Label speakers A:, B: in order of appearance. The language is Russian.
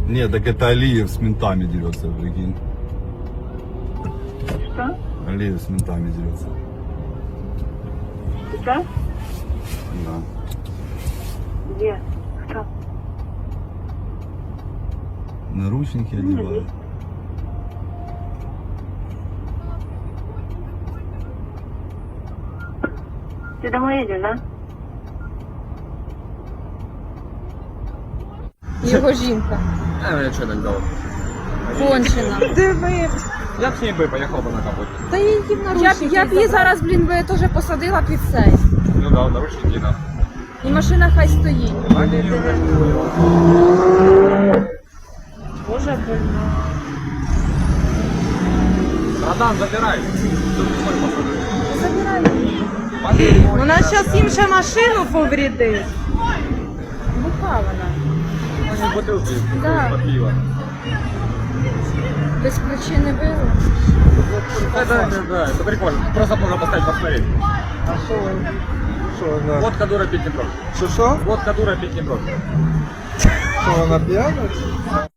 A: Нет, так это Алиев с ментами дерется, прикинь.
B: Что?
A: Алиев с ментами дерется.
B: Сейчас?
A: Да.
B: Где? Кто?
A: Наручники одевают.
B: Ты домой едешь, да?
C: Його жінка.
D: Я что так дал?
C: Кончена. Диви.
D: Я б с ней бы поехал бы на капоте.
C: Та її в наручники. Я б її зараз, блін, би теж посадила під цей.
D: Ну да, наручники, да.
C: І машина хай стоїть. Боже, больно.
D: Братан, забирай.
C: Забирай. Вона зараз їм ще машину повредить. Буха вона.
D: Они бутылки
C: Да.
D: под пиво.
C: Без причини били.
D: Это прикольно. Просто можно поставить посмотреть.
E: А що вона?
D: Водка дура пить не бросит.
E: Що?
D: Водка дура пить не бросит.
E: Що вона п'яна?